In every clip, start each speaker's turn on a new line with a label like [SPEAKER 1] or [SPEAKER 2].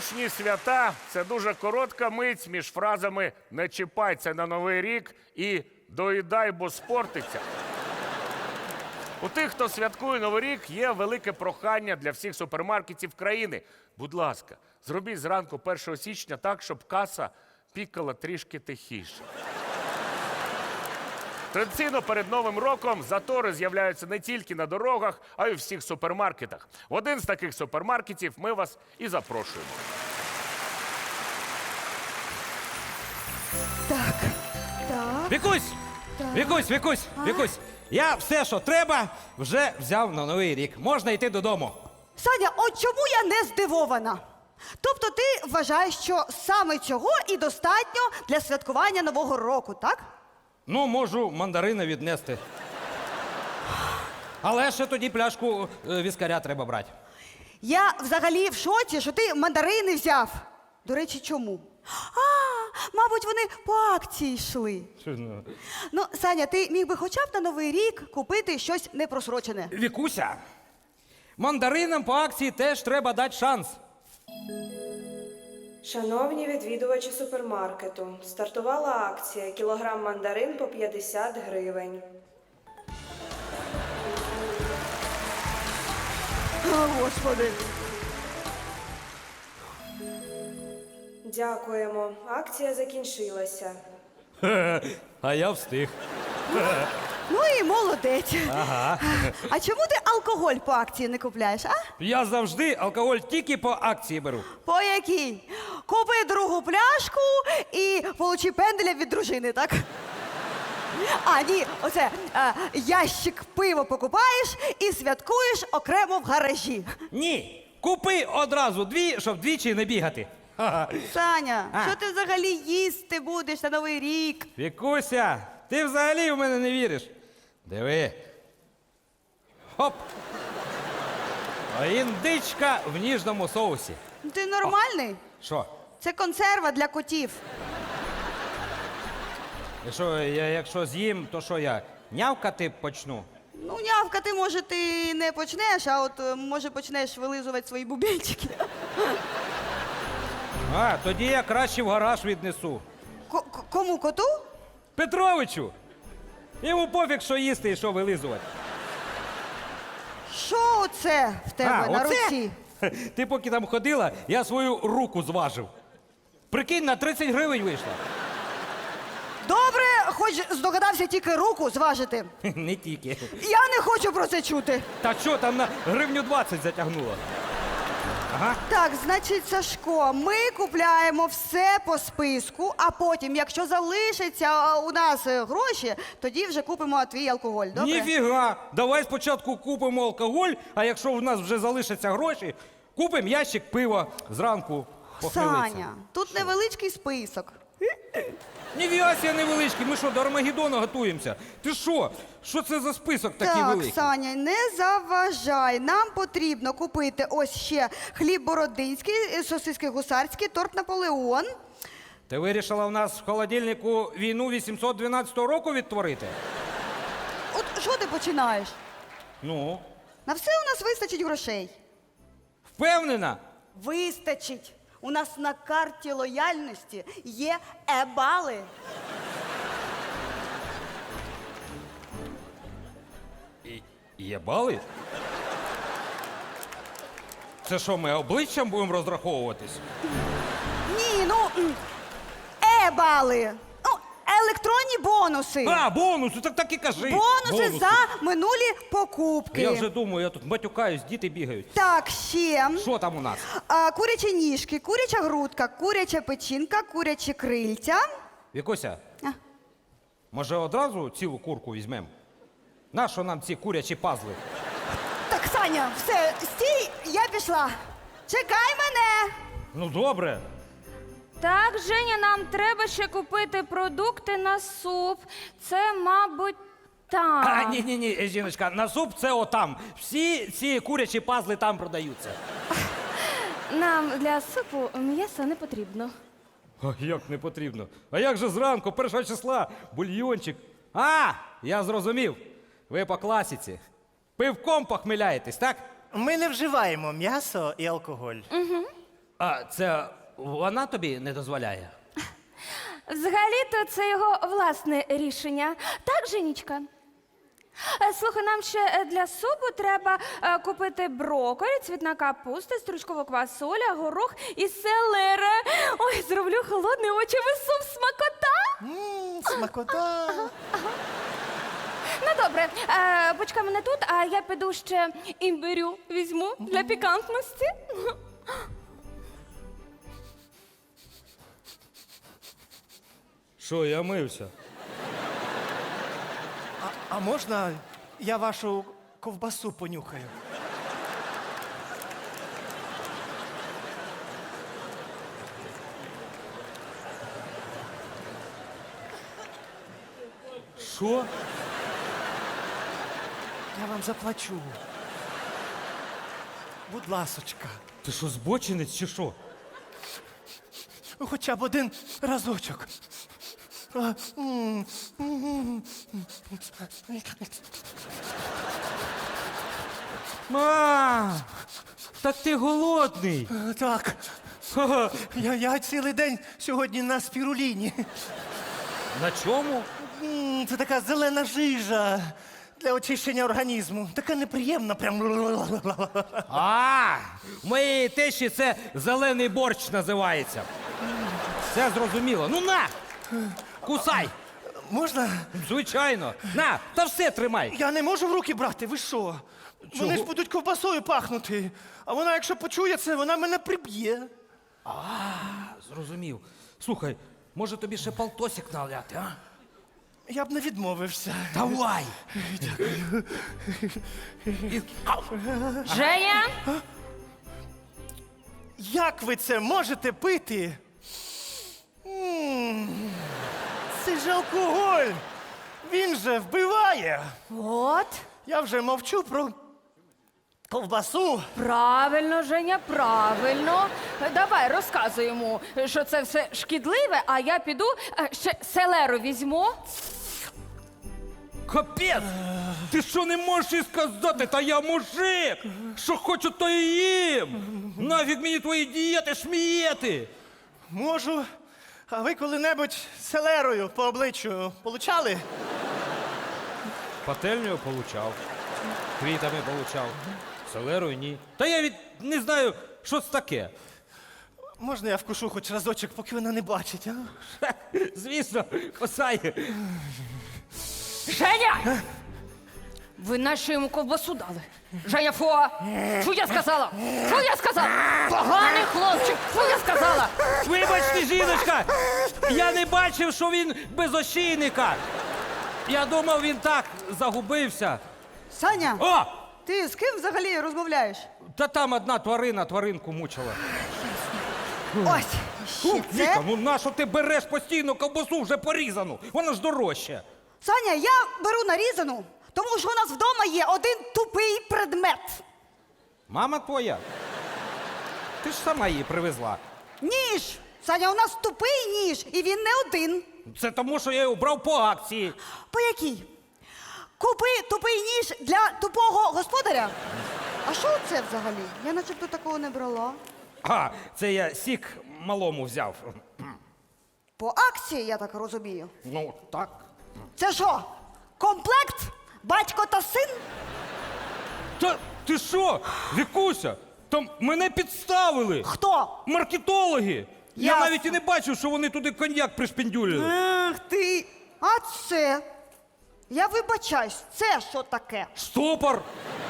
[SPEAKER 1] Новорічні свята – це дуже коротка мить між фразами «не чіпай це на Новий рік» і «доїдай, бо спортиться». У тих, хто святкує Новий рік, є велике прохання для всіх супермаркетів країни. Будь ласка, зробіть зранку 1 січня так, щоб каса пікала трішки тихіше. Традиційно перед Новим роком затори з'являються не тільки на дорогах, а й у всіх супермаркетах. В один з таких супермаркетів ми вас і запрошуємо.
[SPEAKER 2] Так.
[SPEAKER 3] Вікусь! Вікусь! Я все, що треба, вже взяв на Новий рік. Можна йти додому.
[SPEAKER 2] Саня, от чому я не здивована? Тобто ти вважаєш, що саме цього і достатньо для святкування Нового року, так?
[SPEAKER 3] Ну, можу мандарини віднести. Але ще тоді пляшку віскаря треба брати.
[SPEAKER 2] Я взагалі в шоці, що ти мандарини взяв. До речі, чому? Мабуть, вони по акції йшли. Ну, Саня, ти міг би хоча б на Новий рік купити щось непросрочене.
[SPEAKER 3] Вікуся, мандаринам по акції теж треба дати шанс.
[SPEAKER 4] Шановні відвідувачі супермаркету, стартувала акція «Кілограм мандарин по 50 гривень».
[SPEAKER 2] О, Господи.
[SPEAKER 4] Дякуємо. Акція закінчилася.
[SPEAKER 3] А я встиг.
[SPEAKER 2] Ну і молодець. Ага. А чому ти алкоголь по акції не купляєш, а?
[SPEAKER 3] Я завжди алкоголь тільки по акції беру.
[SPEAKER 2] По якій? Купи другу пляшку і получи пенделя від дружини, так? А, ні, оце ящик пива покупаєш і святкуєш окремо в гаражі.
[SPEAKER 3] Ні, купи одразу дві, щоб двічі не бігати. Ха-ха.
[SPEAKER 2] Саня, що ти взагалі їсти будеш на Новий рік?
[SPEAKER 3] Вікуся, ти взагалі в мене не віриш. Диви. Хоп. А індичка в ніжному соусі.
[SPEAKER 2] Ти нормальний?
[SPEAKER 3] Що?
[SPEAKER 2] Це консерва для котів.
[SPEAKER 3] Якщо з'їм, то що я? Нявкати почну?
[SPEAKER 2] Ну, нявкати, може, ти не почнеш, а от, може, почнеш вилизувати свої бубенчики.
[SPEAKER 3] А, тоді я краще в гараж віднесу.
[SPEAKER 2] Кому, коту?
[SPEAKER 3] Петровичу! Йому пофіг, що їсти і що вилизувати.
[SPEAKER 2] Що це в тебе на
[SPEAKER 3] оце?
[SPEAKER 2] руці?
[SPEAKER 3] Ти поки там ходила, я свою руку зважив. Прикинь, на 30 гривень вийшла.
[SPEAKER 2] Добре, хоч здогадався тільки руку зважити.
[SPEAKER 3] Не тільки.
[SPEAKER 2] Я не хочу про це чути.
[SPEAKER 3] Та що, там на гривню 20 затягнуло. Ага.
[SPEAKER 2] Так, значить, Сашко, ми купляємо все по списку, а потім, якщо залишиться у нас гроші, тоді вже купимо твій алкоголь, добре?
[SPEAKER 3] Ніфіга! Давай спочатку купимо алкоголь, а якщо в нас вже залишаться гроші, купимо ящик пива зранку похмелиться.
[SPEAKER 2] Саня, тут невеличкий список.
[SPEAKER 3] Ніфіга себе невеличкий, ми що, до Армагеддона готуємося? Ти що? Що це за список такий
[SPEAKER 2] Так,
[SPEAKER 3] великий?
[SPEAKER 2] Саня, не заважай. Нам потрібно купити ось ще хліб бородинський, сосиски гусарські, торт Наполеон.
[SPEAKER 3] Ти вирішила в нас в холодильнику війну 812 року відтворити?
[SPEAKER 2] От що ти починаєш?
[SPEAKER 3] Ну,
[SPEAKER 2] На все у нас вистачить грошей.
[SPEAKER 3] впевнена?
[SPEAKER 2] Вистачить. У нас на карті лояльності є е-бали.
[SPEAKER 3] Є бали? Це що, ми обличчям будемо розраховуватись?
[SPEAKER 2] Ні, ну е-бали. Ну, електронні бонуси.
[SPEAKER 3] А, бонуси, так і кажи.
[SPEAKER 2] Бонуси за минулі покупки.
[SPEAKER 3] Я вже думаю, я тут матюкаюсь, діти бігають.
[SPEAKER 2] Так, ще.
[SPEAKER 3] Що там у нас?
[SPEAKER 2] Курячі ніжки, куряча грудка, куряча печінка, курячі крильця.
[SPEAKER 3] Вікуся,
[SPEAKER 2] А.
[SPEAKER 3] може одразу цілу курку візьмемо? Нащо нам ці курячі пазли?
[SPEAKER 2] Так, Саня, все, стій, я пішла. Чекай мене.
[SPEAKER 3] Ну добре.
[SPEAKER 5] Так, Женя, нам треба ще купити продукти на суп. Це, мабуть, там.
[SPEAKER 3] А, ні, жіночка, на суп це отам. Всі ці курячі пазли там продаються.
[SPEAKER 5] Нам для супу м'ясо не потрібно.
[SPEAKER 3] А як не потрібно? А як же зранку, 1 числа, бульйончик? А, я зрозумів. Ви по класиці. Пивком похмеляєтесь, так?
[SPEAKER 6] Ми не вживаємо м'ясо і алкоголь.
[SPEAKER 3] А це вона тобі не дозволяє?
[SPEAKER 5] Взагалі-то це його власне рішення. Так, Женічка? Слухай, нам ще для супу треба купити брокколі, цвітна капуста, стручкову квасоля, горох і селера. Ой, зроблю холодний овочевий суп, смакота!
[SPEAKER 6] Смакота.
[SPEAKER 5] Ну добре, почекай мене тут, а я піду ще імбирю візьму для пікантності.
[SPEAKER 3] Що, я мився?
[SPEAKER 6] А можна я вашу ковбасу понюхаю?
[SPEAKER 3] Що?
[SPEAKER 6] Я вам заплачу. Будь ласочка.
[SPEAKER 3] Ти що, збочинець чи що?
[SPEAKER 6] Хоча б один разочок.
[SPEAKER 3] Так ти голодний.
[SPEAKER 6] Так. Я цілий день сьогодні на спіруліні.
[SPEAKER 3] На чому?
[SPEAKER 6] Це така зелена жижа для очищення організму. Така неприємна, прям.
[SPEAKER 3] В моєї тещі це зелений борщ називається. Все зрозуміло. Ну на! Кусай!
[SPEAKER 6] Можна?
[SPEAKER 3] Звичайно. На, та все тримай.
[SPEAKER 6] Я не можу в руки брати, ви що? Вони ж будуть ковбасою пахнути. А вона, якщо почує це, вона мене приб'є.
[SPEAKER 3] Зрозумів. Слухай, може тобі ще полтосик наляти, а?
[SPEAKER 6] Я б не відмовився.
[SPEAKER 3] Давай!
[SPEAKER 5] Женя!
[SPEAKER 6] Як ви це можете пити? Це ж алкоголь. Він же вбиває.
[SPEAKER 5] От,
[SPEAKER 6] Я вже мовчу про ковбасу.
[SPEAKER 5] правильно, Женя, правильно. Давай, розказуй йому, що це все шкідливе, а я піду ще селеру візьму.
[SPEAKER 3] Капець! Ти що не можеш і сказати? Та я мужик! Що хочу, то і їм! Нафіг мені твої дієти, шмієти!
[SPEAKER 6] Можу. А ви коли-небудь селерою по обличчю получали?
[SPEAKER 3] Пательнею получав, квітами получав, селерою ні. Та я не знаю, що це таке.
[SPEAKER 6] Можна я вкушу хоч разочок, поки вона не бачить, а?
[SPEAKER 3] Звісно, косай.
[SPEAKER 5] Женя! Ви нашу йому ковбасу дали. Женя, фу! Фу, я сказала! Фу, я сказала! Поганий хлопчик! Фу, я сказала!
[SPEAKER 3] Вибачте, жіночка, я не бачив, що він без ошейника. Я думав, він так загубився.
[SPEAKER 2] Саня,
[SPEAKER 3] О!
[SPEAKER 2] ти з ким взагалі розмовляєш?
[SPEAKER 3] Та там одна тварина тваринку мучила.
[SPEAKER 2] Ось, ще
[SPEAKER 3] Віка,
[SPEAKER 2] це.
[SPEAKER 3] ну нащо ти береш постійно ковбасу вже порізану? Вона ж дорожча.
[SPEAKER 2] Саня, я беру нарізану, тому що у нас вдома є один тупий предмет.
[SPEAKER 3] Мама твоя? Ти ж сама її привезла.
[SPEAKER 2] Ніж. Саня, у нас тупий ніж, і він не один.
[SPEAKER 3] Це тому, що я його брав по акції.
[SPEAKER 2] По якій? Купи тупий ніж для тупого господаря. А що це взагалі? Я начебто такого не брала.
[SPEAKER 3] А, це я сік малому взяв.
[SPEAKER 2] По акції, я так розумію.
[SPEAKER 3] Ну, так.
[SPEAKER 2] Це що? Комплект? Батько та син?
[SPEAKER 3] Та ти що, Вікуся? Там мене підставили.
[SPEAKER 2] Хто?
[SPEAKER 3] Маркетологи. Я
[SPEAKER 2] Ясно.
[SPEAKER 3] навіть і не бачив, що вони туди коньяк пришпендюлили.
[SPEAKER 2] Ах ти. А це? Я вибачаюсь, це що таке?
[SPEAKER 3] Штопор.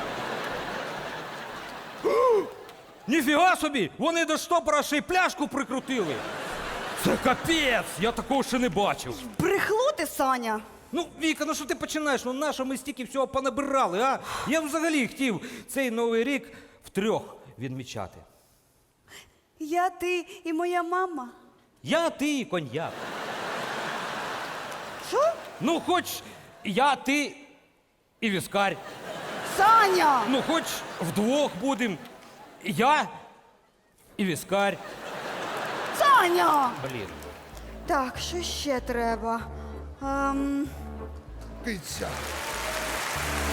[SPEAKER 3] Ніфіга собі! Вони до штопора ще й пляшку прикрутили. Це капець! Я такого ще не бачив.
[SPEAKER 2] Брехло ти, Саня.
[SPEAKER 3] Ну, Віка, ну що ти починаєш? Ну нащо ми стільки всього понабирали, а? Я взагалі хотів цей Новий рік втрьох відмічати.
[SPEAKER 2] Я, ти і моя мама.
[SPEAKER 3] Я, ти і коньяк.
[SPEAKER 2] Що?
[SPEAKER 3] Ну, хоч я, ти і віскарь.
[SPEAKER 2] Саня!
[SPEAKER 3] Ну, хоч вдвох будем. Я і віскарь.
[SPEAKER 2] Саня!
[SPEAKER 3] Блін.
[SPEAKER 2] Так, що ще треба?
[SPEAKER 7] Піця.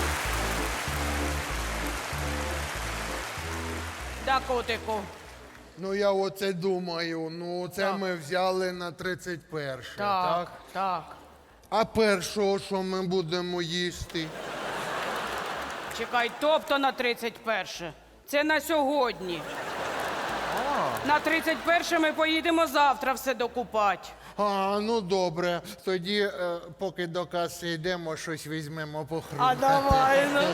[SPEAKER 8] Да, котику.
[SPEAKER 7] Ну я оце думаю, ну це ми взяли на 31, так?
[SPEAKER 8] Так.
[SPEAKER 7] А першого, що ми будемо їсти?
[SPEAKER 8] Чекай, тобто на 31. Це на сьогодні. На 31 ми поїдемо завтра все докупати.
[SPEAKER 7] А, ну добре. Тоді, поки до каси йдемо, щось візьмемо похрумкати.
[SPEAKER 2] А давай, ну.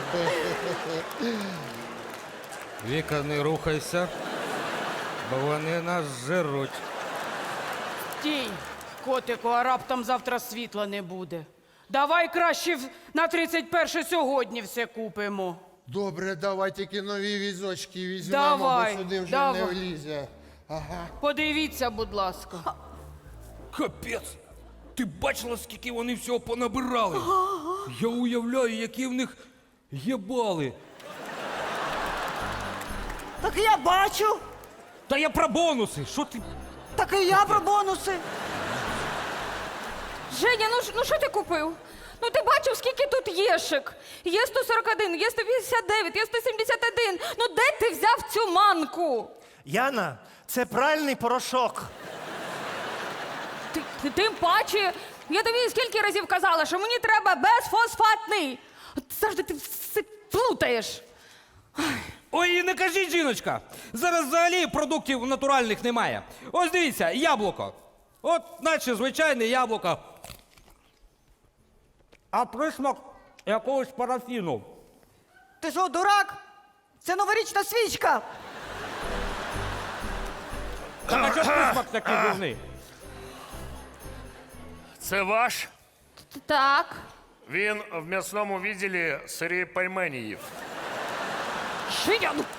[SPEAKER 3] Віка, не рухайся, бо вони нас жируть.
[SPEAKER 8] Стій, котику, а раптом завтра світла не буде. Давай краще на 31 сьогодні все купимо.
[SPEAKER 7] Добре, давай тільки нові візочки візьмемо,
[SPEAKER 8] Давай,
[SPEAKER 7] бо сюди вже
[SPEAKER 8] давай.
[SPEAKER 7] не влізе. Ага.
[SPEAKER 8] Подивіться, будь ласка.
[SPEAKER 3] Капець! Ти бачила, скільки вони всього понабирали? Я уявляю, які в них єбали.
[SPEAKER 2] Так я бачу.
[SPEAKER 3] Та я про бонуси! Що ти?
[SPEAKER 2] Так і я про бонуси.
[SPEAKER 5] Женя, ну що ти купив? Ну ти бачив, скільки тут єшик? Є 141, є 159, є 171. Ну де ти взяв цю манку?
[SPEAKER 6] Яна, це пральний порошок.
[SPEAKER 5] Тим паче, я тобі скільки разів казала, що мені треба безфосфатний. От завжди ти все плутаєш.
[SPEAKER 3] Ой, і не кажіть, жіночка! Зараз взагалі продуктів натуральних немає. Ось дивіться, яблуко. От, наче звичайне яблуко. А присмак якогось парафіну.
[SPEAKER 2] Ти що, дурак? Це новорічна свічка.
[SPEAKER 3] Так, а чого ж присмак такий дурний?
[SPEAKER 1] Це ваш?
[SPEAKER 5] Так.
[SPEAKER 1] Він в м'ясному відділі сирі пельмені їв.
[SPEAKER 5] Женя, ну.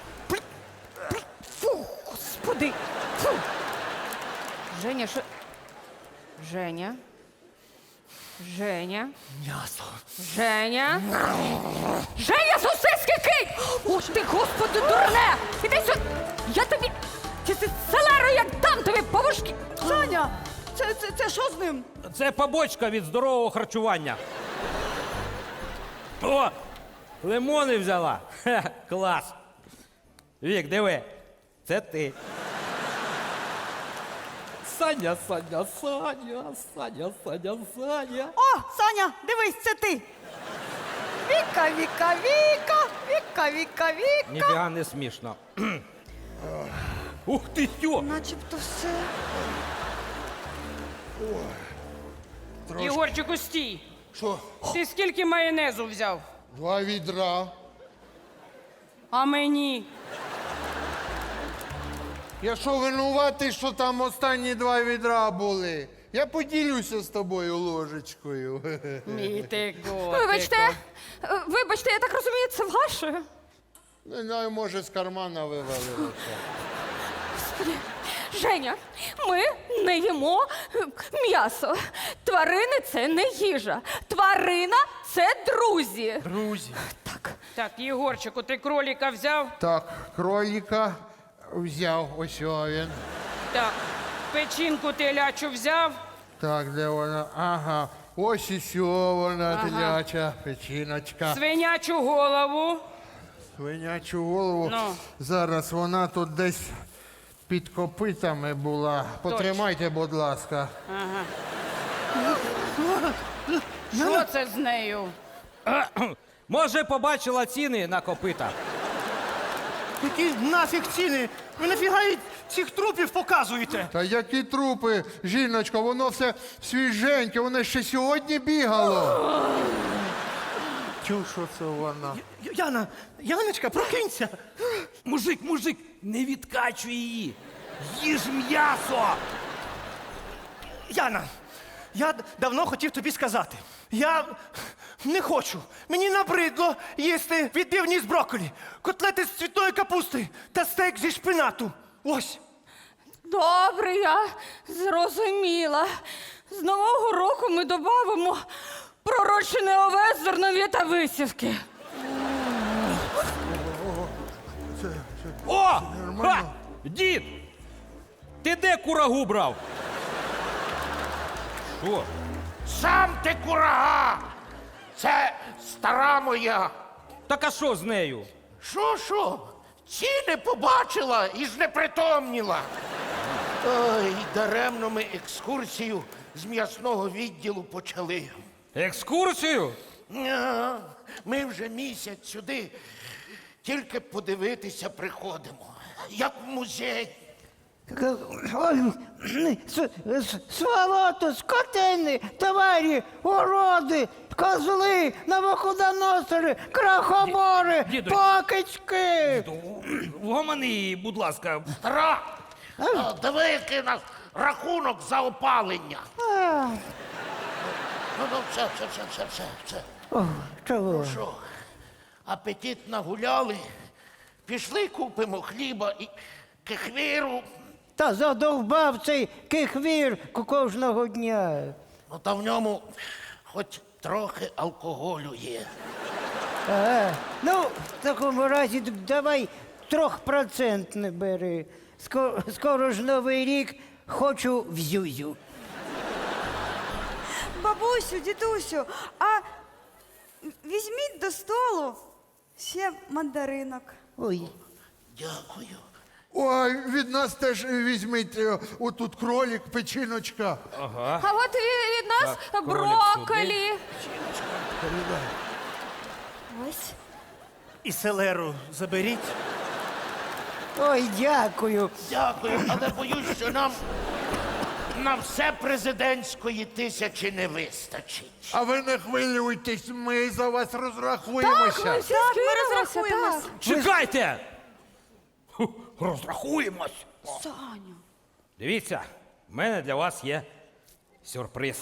[SPEAKER 5] Фу, господи. Фу. Женя, що. Женя. Женя.
[SPEAKER 6] М'ясо.
[SPEAKER 5] Женя. Женя, сосиски кинь! Ух ти, господи, дурне! Іди сюди! Я тобі. Ти селеру як дам тобі повушки!
[SPEAKER 2] Саня, це що з ним?
[SPEAKER 3] Це побочка від здорового харчування. О! Лимони взяла. Хе, клас. Вік, диви. Це ти. Саня, Саня, Саня, Саня, Саня, Саня.
[SPEAKER 2] О, Саня, дивись, це ти. Віка, Віка, Віка, Віка, Віка, Віка.
[SPEAKER 3] Ніфіга не смішно. Ух ти сьо!
[SPEAKER 2] Начебто все.
[SPEAKER 8] Ігорчику, стій.
[SPEAKER 7] Що?
[SPEAKER 8] Ти скільки майонезу взяв?
[SPEAKER 7] 2 відра.
[SPEAKER 8] А мені?
[SPEAKER 7] Я що винуватий, що там останні 2 відра були? Я поділюся з тобою ложечкою.
[SPEAKER 8] Мій ти котику.
[SPEAKER 5] Вибачте, я так розумію, це ваше.
[SPEAKER 7] Не знаю, може, з кармана вивалилося.
[SPEAKER 5] Женя, ми не їмо м'ясо. Тварини це не їжа. Тварина це друзі.
[SPEAKER 6] Друзі.
[SPEAKER 5] Так.
[SPEAKER 8] Так, Єгорчику, ти кроліка взяв?
[SPEAKER 7] Так, кроліка взяв, ось він.
[SPEAKER 8] Так. Печінку телячу взяв?
[SPEAKER 7] Так, де вона? Ага. Ось і сьо вона, теляча печіночка.
[SPEAKER 8] Свинячу голову?
[SPEAKER 7] Свинячу голову.
[SPEAKER 8] Ну.
[SPEAKER 7] Зараз вона тут десь під копитами була. Потримайте, будь ласка.
[SPEAKER 8] Що це з нею?
[SPEAKER 3] Може, побачила ціни на копита?
[SPEAKER 6] Які нафіг ціни? Ви нафіга їй цих трупів показуєте?
[SPEAKER 7] Та які трупи, жіночко, воно все свіженьке, воно ще сьогодні бігало. Чув, що це вона?
[SPEAKER 6] Яна, Яночка, прокинься.
[SPEAKER 3] Мужик, не відкачуй її. Їж м'ясо.
[SPEAKER 6] Яна, я давно хотів тобі сказати. Я не хочу. Мені набридло їсти відбивні з брокколі, котлети з цвітної капусти та стейк зі шпинату. Ось.
[SPEAKER 5] Добре, я зрозуміла. З Нового року ми додамо пророчене овес, зернові та висівки.
[SPEAKER 3] О! Ха! Дід! Ти де курагу брав? Що?
[SPEAKER 9] Сам ти курага! Це стара моя.
[SPEAKER 3] Так а що з нею?
[SPEAKER 9] Що? Ціни побачила і знепритомніла. Ой, даремно ми екскурсію з м'ясного відділу почали.
[SPEAKER 3] Екскурсію?
[SPEAKER 9] Ми вже місяць сюди тільки подивитися приходимо. Як в музей.
[SPEAKER 6] Сволото, скотини, товарі, уроди, козли, новоходоносори, крахобори,
[SPEAKER 3] Діду.
[SPEAKER 6] покички.
[SPEAKER 3] Вгомони, будь ласка.
[SPEAKER 9] Стара, диви, який у нас рахунок за опалення. Ну, все.
[SPEAKER 6] О, чого?
[SPEAKER 9] Що, апетит нагуляли, пішли купимо хліба і кефіру.
[SPEAKER 6] Та задовбав цей кихвір кожного дня.
[SPEAKER 9] Ну, та в ньому хоч трохи алкоголю є.
[SPEAKER 6] Ага. Ну, в такому разі давай 3% бери. Скоро ж Новий рік, хочу в зюзю.
[SPEAKER 2] Бабусю, дідусю, а візьміть до столу ще мандаринок.
[SPEAKER 6] Ой.
[SPEAKER 9] Дякую.
[SPEAKER 7] Ой, від нас теж візьміть отут кролик, печіночка.
[SPEAKER 5] А от від нас
[SPEAKER 3] Так, кролик
[SPEAKER 5] брокколі. Ось.
[SPEAKER 6] І селеру заберіть. Ой, дякую.
[SPEAKER 9] Дякую, але боюсь, що нам на все президентської 1000 не вистачить.
[SPEAKER 7] А ви не хвилюйтесь, ми за вас
[SPEAKER 5] Так,
[SPEAKER 7] розрахуємося.
[SPEAKER 5] ми всі
[SPEAKER 2] Так, ми
[SPEAKER 5] скинулися,
[SPEAKER 2] розрахуємось.
[SPEAKER 5] так.
[SPEAKER 3] Чекайте! Розрахуємось.
[SPEAKER 2] Саню.
[SPEAKER 3] Дивіться, в мене для вас є сюрприз.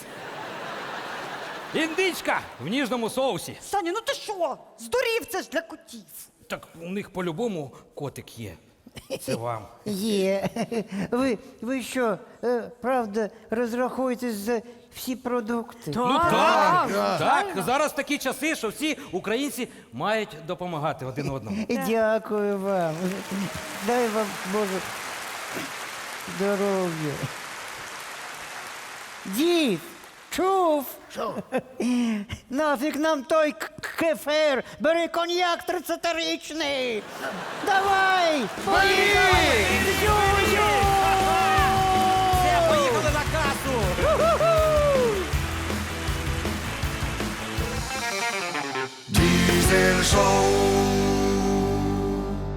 [SPEAKER 3] Індичка в ніжному соусі.
[SPEAKER 2] Саню, ну ти що? Здурів, це ж для котів.
[SPEAKER 3] Так у них по-любому котик є. Це вам.
[SPEAKER 6] Є. Ви що, правда, розрахуєтесь за всі продукти?
[SPEAKER 3] Ну так. Зараз такі часи, що всі українці мають допомагати один одному.
[SPEAKER 6] Дякую вам. Дай вам Боже здоров'я. Дід, чув?
[SPEAKER 9] Що?
[SPEAKER 6] Нафіг нам той кефир. Бери коньяк 30-річний. Давай! Поїхали!